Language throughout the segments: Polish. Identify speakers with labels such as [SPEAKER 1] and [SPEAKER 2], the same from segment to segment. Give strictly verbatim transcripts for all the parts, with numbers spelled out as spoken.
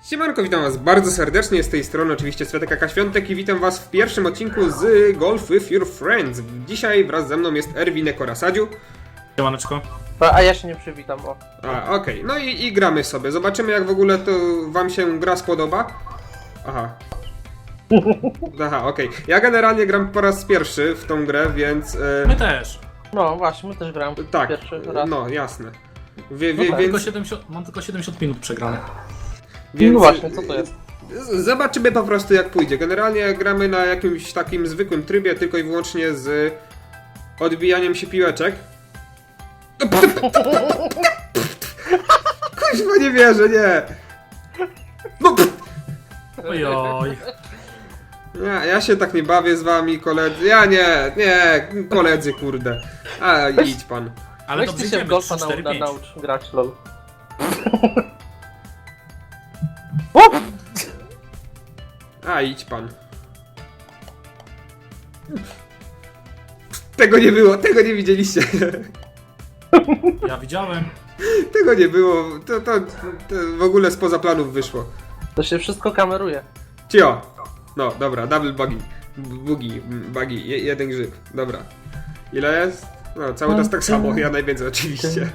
[SPEAKER 1] Siemanko, witam was bardzo serdecznie, z tej strony oczywiście Svetek Aka Świątek i witam was w pierwszym odcinku z Golf with Your Friends. Dzisiaj wraz ze mną jest Erwinek oraz Sadziu.
[SPEAKER 2] Siemaneczko.
[SPEAKER 3] A ja się nie przywitam, o.
[SPEAKER 1] A, okej, okay. No i, i gramy sobie. Zobaczymy, jak w ogóle to wam się gra spodoba. Aha. Aha, okej. Okay. Ja generalnie gram po raz pierwszy w tą grę, więc...
[SPEAKER 2] Yy... My też.
[SPEAKER 3] No właśnie, my też gramy
[SPEAKER 1] tak,
[SPEAKER 3] pierwszy raz.
[SPEAKER 1] No, jasne. Wie, wie,
[SPEAKER 2] no tak,
[SPEAKER 1] więc...
[SPEAKER 2] tylko siedemdziesiąt, mam tylko siedemdziesiąt minut przegrane.
[SPEAKER 1] Więc...
[SPEAKER 3] No właśnie, co to jest?
[SPEAKER 1] Zobaczymy po prostu, jak pójdzie. Generalnie gramy na jakimś takim zwykłym trybie, tylko i wyłącznie z odbijaniem się piłeczek. Kuźwa, nie wierzę, nie! No.
[SPEAKER 2] Ojoj.
[SPEAKER 1] Ja, ja się tak nie bawię z wami, koledzy. Ja nie, nie, koledzy, kurde. A, idź pan.
[SPEAKER 2] Ale
[SPEAKER 3] Weź
[SPEAKER 2] dobrze
[SPEAKER 3] ty się w
[SPEAKER 2] idziemy,
[SPEAKER 3] golfa
[SPEAKER 2] trzy,
[SPEAKER 3] nau
[SPEAKER 2] cztery,
[SPEAKER 3] na,
[SPEAKER 2] pięć.
[SPEAKER 3] naucz grać, lol.
[SPEAKER 1] A, idź pan. Tego nie było, tego nie widzieliście.
[SPEAKER 2] Ja widziałem.
[SPEAKER 1] Tego nie było, to, to, to w ogóle spoza planów wyszło.
[SPEAKER 3] To się wszystko kameruje.
[SPEAKER 1] Cio! No, dobra, double buggy. Boogie, buggy, je, jeden grzyb. Dobra. Ile jest? No, cały czas tak samo, ja najwięcej oczywiście.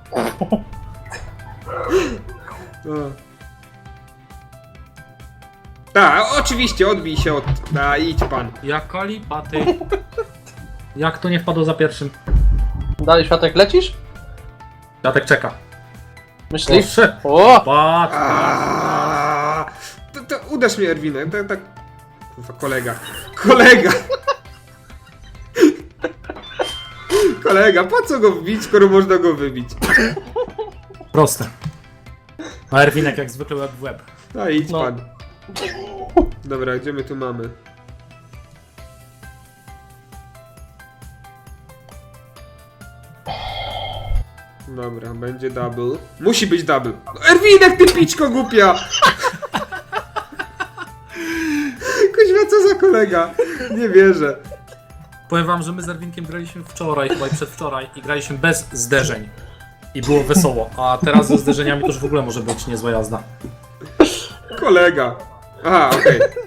[SPEAKER 1] No. Tak, oczywiście, odbij się od... A, idź pan.
[SPEAKER 2] Jaka lipa, ty. Jak to nie wpadło za pierwszym?
[SPEAKER 3] Dalej, Światek, lecisz?
[SPEAKER 2] Datek czeka.
[SPEAKER 3] Myślisz?
[SPEAKER 2] Proszę.
[SPEAKER 3] O!
[SPEAKER 2] Patrz.
[SPEAKER 1] Aaaa! To, to uderz mnie, Erwinek, tak, tak... Kurwa, kolega. Kolega! Kolega, po co go wbić, skoro można go wybić?
[SPEAKER 2] Proste. A Erwinek jak zwykle łeb w łeb.
[SPEAKER 1] A, idź
[SPEAKER 3] No.
[SPEAKER 1] pan. Dobra, gdzie my tu mamy? Dobra, będzie double. Musi być double. No, Erwinek, ty piczko głupia! Kuźwa, co za kolega? Nie wierzę.
[SPEAKER 2] Powiem wam, że my z Erwinkiem graliśmy wczoraj, chyba i przedwczoraj i graliśmy bez zderzeń. I było wesoło, a teraz ze zderzeniami to już w ogóle może być niezła jazda.
[SPEAKER 1] Kolega. Aha, okej. Okay.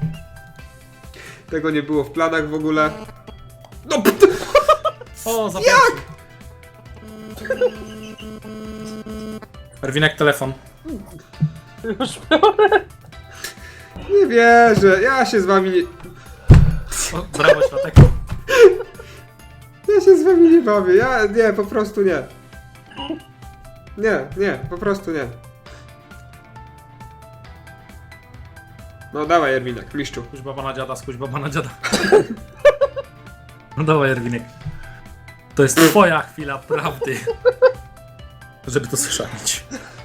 [SPEAKER 1] Tego nie było w planach w ogóle. No, pt-
[SPEAKER 2] O, za Jak? Erwinek, telefon.
[SPEAKER 3] Już biorę.
[SPEAKER 1] nie wierzę. Ja się z wami nie...
[SPEAKER 2] O, brawo, Światek.
[SPEAKER 1] Ja się z wami nie bawię. Ja nie, po prostu nie. Nie, nie, po prostu nie. No dawaj, Erwinek, mistrzu.
[SPEAKER 2] Skuś baba na dziada, skuś baba na dziada. No dawaj, Erwinek. To jest twoja chwila prawdy. Żeby to słyszeć.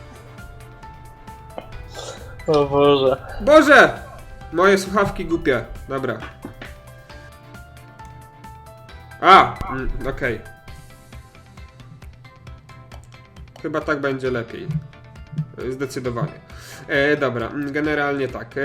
[SPEAKER 3] O Boże.
[SPEAKER 1] Boże! Moje słuchawki głupie. Dobra. A! Mm, okej. Okay. Chyba tak będzie lepiej. Zdecydowanie. E, dobra, generalnie tak. E...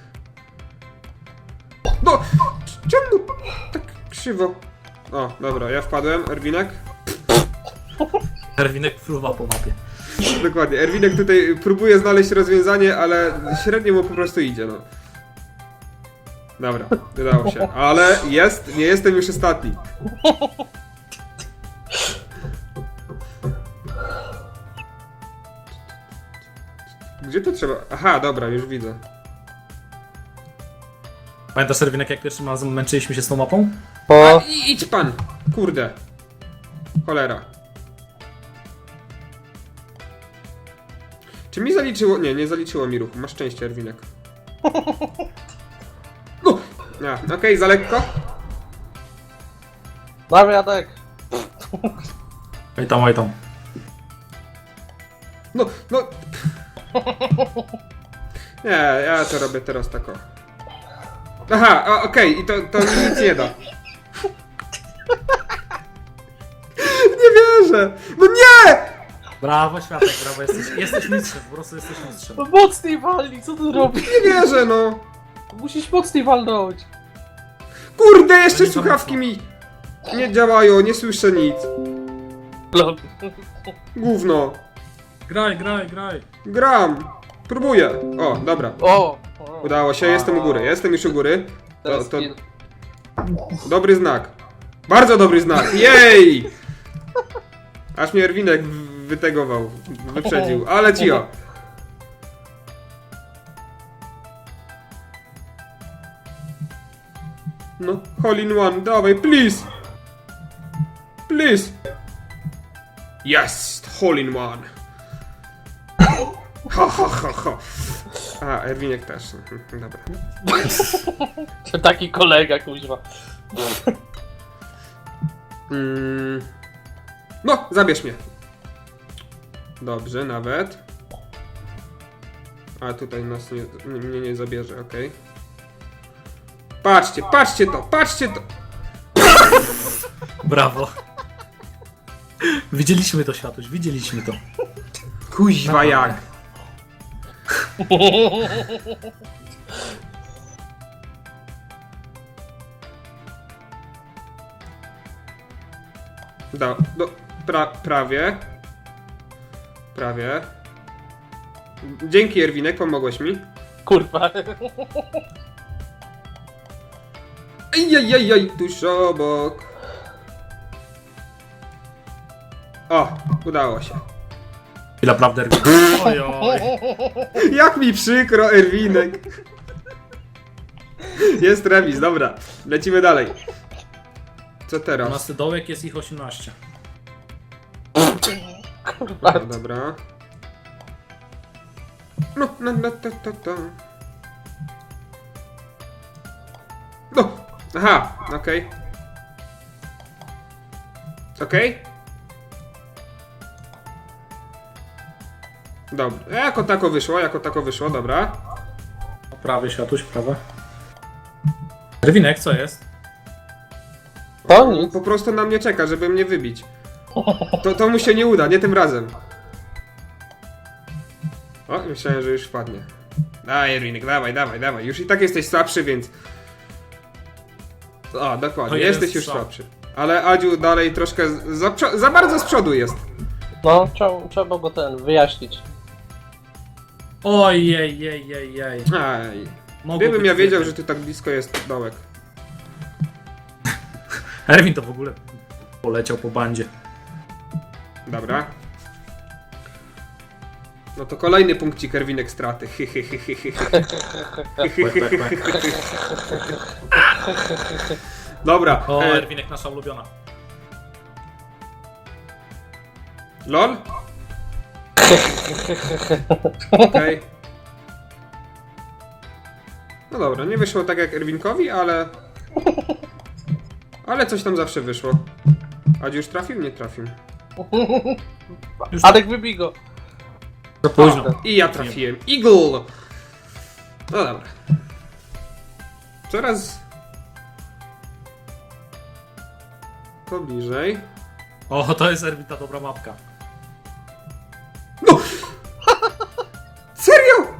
[SPEAKER 1] No! Czemu tak krzywo? O, dobra, ja wpadłem. Erwinek?
[SPEAKER 2] Erwinek fruwa po mapie.
[SPEAKER 1] Dokładnie. Erwinek tutaj próbuje znaleźć rozwiązanie, ale średnio mu po prostu idzie, no. Dobra, udało się. Ale jest, nie jestem już ostatni. Gdzie to trzeba? Aha, dobra, już widzę.
[SPEAKER 2] Pamiętasz, Erwinek, jak pierwszym razem męczyliśmy się z tą mapą?
[SPEAKER 1] A,
[SPEAKER 3] O!
[SPEAKER 1] i, idź pan! Kurde. Cholera. Czy mi zaliczyło? Nie, nie zaliczyło mi ruchu. Masz szczęście, Erwinek. No! A, okej, okay, za lekko.
[SPEAKER 3] Dawaj, Jadek.
[SPEAKER 2] Oj tam, oj tam.
[SPEAKER 1] No, no. Nie, ja to robię teraz tak o. Aha, a, okej, okay, i to, to mi nic nie da. Nie wierzę! No nie!
[SPEAKER 2] Brawo, Światek, brawo, jesteś, jesteś mistrzem, po prostu jesteś mistrzem.
[SPEAKER 3] No mocniej walnij, co ty robisz?
[SPEAKER 1] Nie wierzę, no!
[SPEAKER 3] Musisz mocniej walnąć.
[SPEAKER 1] Kurde, jeszcze
[SPEAKER 2] To nie
[SPEAKER 1] słuchawki
[SPEAKER 2] za
[SPEAKER 1] mi nie działają, nie słyszę nic.
[SPEAKER 3] Lol.
[SPEAKER 1] Gówno.
[SPEAKER 2] Graj, graj, graj.
[SPEAKER 1] Gram. Próbuję. O, dobra.
[SPEAKER 3] O! o.
[SPEAKER 1] Udało się, jestem u góry, jestem już u góry. To,
[SPEAKER 3] Teraz
[SPEAKER 1] to
[SPEAKER 3] kill.
[SPEAKER 1] dobry znak. Bardzo dobry znak. Jej! Aż mnie Erwinek w- wytegował, wyprzedził, ale cio. No, hole in one, dawaj, please! Please! Yes, hole in one. Ha, ha, ha, ha. A, Erwinek też. Mhm, dobra.
[SPEAKER 3] Taki kolega, kuźwa.
[SPEAKER 1] Mm. No, zabierz mnie. Dobrze, nawet. A tutaj nas nie, mnie nie zabierze, okej. Patrzcie, patrzcie to, patrzcie to!
[SPEAKER 2] Brawo. Widzieliśmy to, Światuś, widzieliśmy to.
[SPEAKER 1] Kuźwa jak! Do, do, pra, prawie. Prawie. Dzięki, Erwinek, pomogłeś mi.
[SPEAKER 3] Kurwa.
[SPEAKER 1] Ejjejjej, tuż obok. O, udało się.
[SPEAKER 2] I naprawdę, Erwin. Oj, oj.
[SPEAKER 1] Jak mi przykro, Erwinek. Jest remis, dobra. Lecimy dalej. Co teraz?
[SPEAKER 2] dwunasty dołek, jest ich osiemnaście.
[SPEAKER 3] Kurwa.
[SPEAKER 1] No, dobra. No, no, no, to, to, to. No! Aha, okej. Okej? Dobra, jako tako wyszło, jako tako wyszło, dobra.
[SPEAKER 2] Prawie, Światuś, prawe. Erwinek, co jest?
[SPEAKER 3] To nic.
[SPEAKER 1] Po prostu na mnie czeka, żeby mnie wybić. To, to mu się nie uda, nie tym razem. O, myślałem, że już wpadnie. Daj, Erwinek, dawaj, dawaj, dawaj. Już i tak jesteś słabszy, więc... O, dokładnie,
[SPEAKER 2] To jeden
[SPEAKER 1] jesteś już
[SPEAKER 2] strzał.
[SPEAKER 1] słabszy. Ale Adziu dalej troszkę z- za, przo- za bardzo z przodu jest.
[SPEAKER 3] No, trzeba, trzeba go ten wyjaśnić.
[SPEAKER 2] Oj, jej, jej, jej, jej.
[SPEAKER 1] Aj.
[SPEAKER 2] Mogło
[SPEAKER 1] Gdybym
[SPEAKER 2] być
[SPEAKER 1] ja wiedział,
[SPEAKER 2] więcej.
[SPEAKER 1] że ty tak blisko jest dołek.
[SPEAKER 2] Erwin to w ogóle poleciał po bandzie.
[SPEAKER 1] Dobra. No to kolejny punkcik Erwinek straty.
[SPEAKER 2] Łek, łek, łek.
[SPEAKER 1] Dobra.
[SPEAKER 2] O,
[SPEAKER 1] E,
[SPEAKER 2] Erwinek, nasza ulubiona.
[SPEAKER 1] LOL? Okej. No dobra, nie wyszło tak jak Erwinkowi, ale... Ale coś tam zawsze wyszło. Adziu już trafił? Nie trafił.
[SPEAKER 2] Już
[SPEAKER 3] Adek, wybij go.
[SPEAKER 2] za późno.
[SPEAKER 1] I ja trafiłem. Eagle! No dobra. Coraz... To bliżej.
[SPEAKER 2] O, to jest Erwin, ta dobra mapka.
[SPEAKER 1] Serio?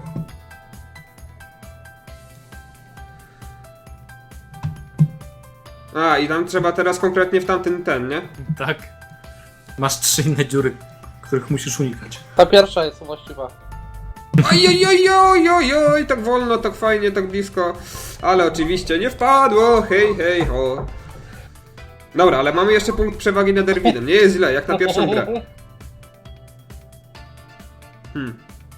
[SPEAKER 1] A, i tam trzeba teraz konkretnie w tamten ten, nie?
[SPEAKER 2] Tak. Masz trzy inne dziury, których musisz unikać.
[SPEAKER 3] Ta pierwsza jest właściwa.
[SPEAKER 1] Ojojojojojoj, tak wolno, tak fajnie, tak blisko. Ale oczywiście nie wpadło, hej, hej, ho. Dobra, ale mamy jeszcze punkt przewagi nad Erwinem. Nie jest źle, jak na pierwszą grę. Hmm.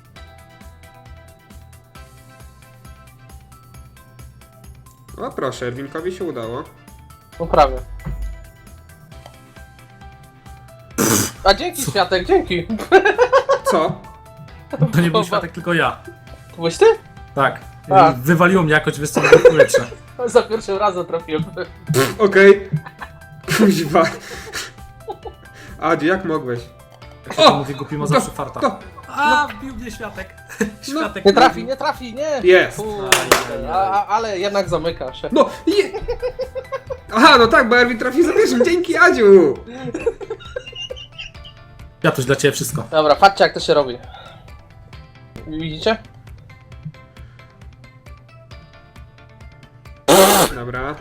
[SPEAKER 1] O proszę, Erwinkowi się udało.
[SPEAKER 3] No prawie. A dzięki, Światek, dzięki.
[SPEAKER 1] Co?
[SPEAKER 2] To nie był Światek, tylko ja.
[SPEAKER 3] To byłeś ty?
[SPEAKER 2] Tak.
[SPEAKER 3] A.
[SPEAKER 2] Wywaliło mnie jakoś wysoko w powietrze.
[SPEAKER 3] Za pierwszym razem trafiłem.
[SPEAKER 1] Okej. Kuźwa. Adziu, jak mogłeś?
[SPEAKER 2] Jak się to mówi, głupi ma zawsze farta.
[SPEAKER 1] To,
[SPEAKER 2] A, bił mnie Światek. Światek.
[SPEAKER 3] Nie trafi, nie trafi, nie.
[SPEAKER 1] Jest.
[SPEAKER 3] Kurde, a, a, ale jednak zamyka się.
[SPEAKER 1] no, je... Aha, no tak, bo Erwin trafił za pierwszym. Dzięki, Adziu.
[SPEAKER 2] Światuś, dla ciebie wszystko.
[SPEAKER 3] Dobra, patrzcie jak to się robi. Widzicie?
[SPEAKER 1] Dobra.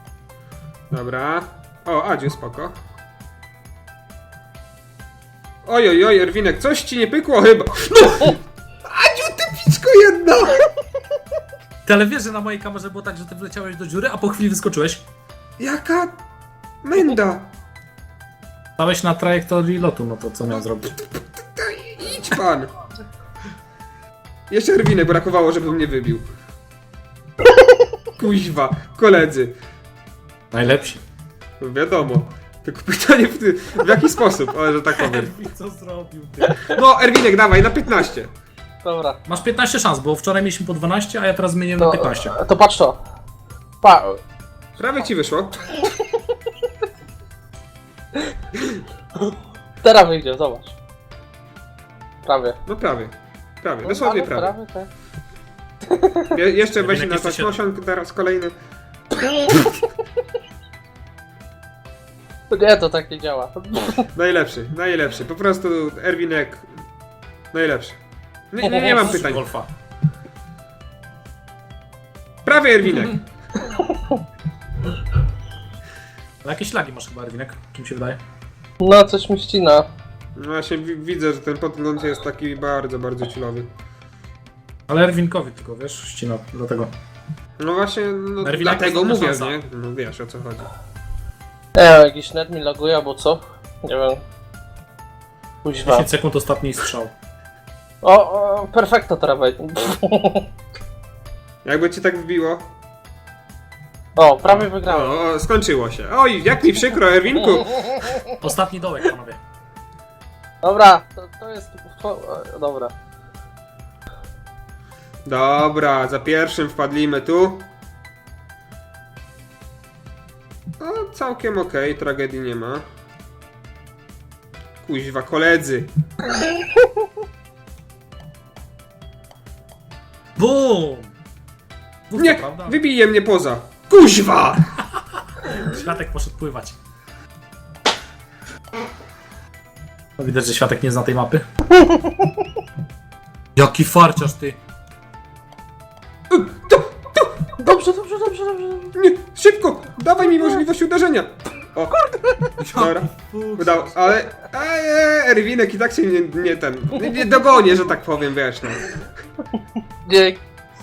[SPEAKER 1] Dobra. O, Adziu, spoko. Oj, oj, oj, Erwinek, coś ci nie pykło chyba. No! Adziu, ty piczko jedno!
[SPEAKER 2] Ty, ale wiesz, że na mojej kamerze było tak, że ty wleciałeś do dziury, a po chwili wyskoczyłeś?
[SPEAKER 1] Jaka menda!
[SPEAKER 2] Stałeś na trajektorii lotu, no to co miał zrobić?
[SPEAKER 1] Idź pan! Jeszcze Erwinek brakowało, żeby mnie wybił. Kuźwa, koledzy.
[SPEAKER 2] Najlepsi.
[SPEAKER 1] No wiadomo. Tylko pytanie w, ty, w jaki sposób, ale że tak powiem.
[SPEAKER 2] Erwin, co zrobił ty?
[SPEAKER 1] No, Erwinek, dawaj, na piętnaście.
[SPEAKER 3] Dobra.
[SPEAKER 2] Masz piętnaście szans, bo wczoraj mieliśmy po dwanaście, a ja teraz zmieniłem na
[SPEAKER 3] To,
[SPEAKER 2] piętnaście.
[SPEAKER 3] to patrz to. Pa.
[SPEAKER 1] Prawie ci wyszło.
[SPEAKER 3] Teraz wyjdzie, zobacz. Prawie.
[SPEAKER 1] No prawie. Prawie,
[SPEAKER 3] No,
[SPEAKER 1] dosłownie
[SPEAKER 3] ale
[SPEAKER 1] prawie.
[SPEAKER 3] prawie, tak.
[SPEAKER 1] Je, jeszcze weź
[SPEAKER 2] Erwinek,
[SPEAKER 1] na
[SPEAKER 2] jesteś-
[SPEAKER 1] taśmosiąg, teraz kolejny.
[SPEAKER 3] Nie, to tak nie działa.
[SPEAKER 1] Najlepszy, najlepszy. Po prostu Erwinek. Najlepszy. Nie, nie, nie mam pytań.
[SPEAKER 2] Golfa.
[SPEAKER 1] Prawie Erwinek.
[SPEAKER 2] Ale jakieś lagi masz chyba, Erwinek? Czym się wydaje?
[SPEAKER 3] No, coś mi ścina.
[SPEAKER 1] No właśnie wi- widzę, że ten podgląd jest taki bardzo, bardzo chillowy.
[SPEAKER 2] Ale Erwinkowi tylko, wiesz, ścina, dlatego.
[SPEAKER 1] No właśnie, no,
[SPEAKER 2] Erwinek
[SPEAKER 1] dlatego
[SPEAKER 2] to
[SPEAKER 1] mówię,
[SPEAKER 2] szansa.
[SPEAKER 1] nie? No wiesz o co chodzi.
[SPEAKER 3] Nie wiem, jakiś net mi laguje albo co? Nie wiem. Kuźwa.
[SPEAKER 2] dziesięć sekund ostatni strzał.
[SPEAKER 3] O, o, perfekto teraz wejdzie.
[SPEAKER 1] Jakby ci tak wbiło.
[SPEAKER 3] O, prawie wygrałem.
[SPEAKER 1] O, o, skończyło się. Oj, jak mi przykro, Erwinku.
[SPEAKER 2] Ostatni dołek, panowie.
[SPEAKER 3] Dobra, to, to jest... To, e, dobra.
[SPEAKER 1] Dobra, za pierwszym wpadlimy tu. No, całkiem okej, tragedii nie ma. Kuźwa, koledzy.
[SPEAKER 2] BUM! Mów
[SPEAKER 1] Nie,
[SPEAKER 2] to, prawda?
[SPEAKER 1] wybije mnie poza. Kuźwa!
[SPEAKER 2] Światek poszedł pływać. No widać, że Światek nie zna tej mapy. Jaki farciarz ty!
[SPEAKER 3] Dobrze, dobrze, dobrze, dobrze.
[SPEAKER 1] Nie, szybko! Dawaj mi możliwość uderzenia. O, dobra. Udało, ale... Eee, Erwinek i tak się nie, nie ten... Nie, nie dogonię, że tak powiem, wiesz, no.
[SPEAKER 3] Nie,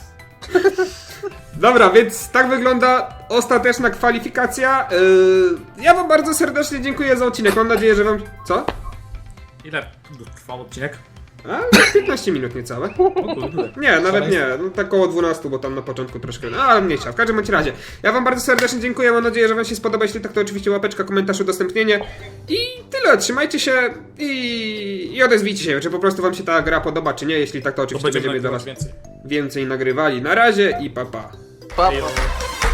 [SPEAKER 1] Dobra, więc tak wygląda ostateczna kwalifikacja. Yy, ja wam bardzo serdecznie dziękuję za odcinek. Mam nadzieję, że wam... Co?
[SPEAKER 2] Ile trwał odcinek?
[SPEAKER 1] A, piętnaście minut niecałe.
[SPEAKER 2] O kurde.
[SPEAKER 1] Nie, nawet nie. No, tak około dwunastu, bo tam na początku troszkę... No, ale mniejsza. W każdym bądź razie. Ja wam bardzo serdecznie dziękuję. Mam nadzieję, że wam się spodoba. Jeśli tak, to oczywiście łapeczka, komentarz, udostępnienie. I tyle. Trzymajcie się i, i odezwijcie się, czy po prostu wam się ta gra podoba, czy nie. Jeśli tak, to
[SPEAKER 2] To
[SPEAKER 1] oczywiście
[SPEAKER 2] będziemy
[SPEAKER 1] będziemy dla
[SPEAKER 2] nagrywać
[SPEAKER 1] was
[SPEAKER 2] więcej.
[SPEAKER 1] więcej nagrywali. Na razie i pa pa.
[SPEAKER 3] pa,
[SPEAKER 2] Ej,
[SPEAKER 3] pa.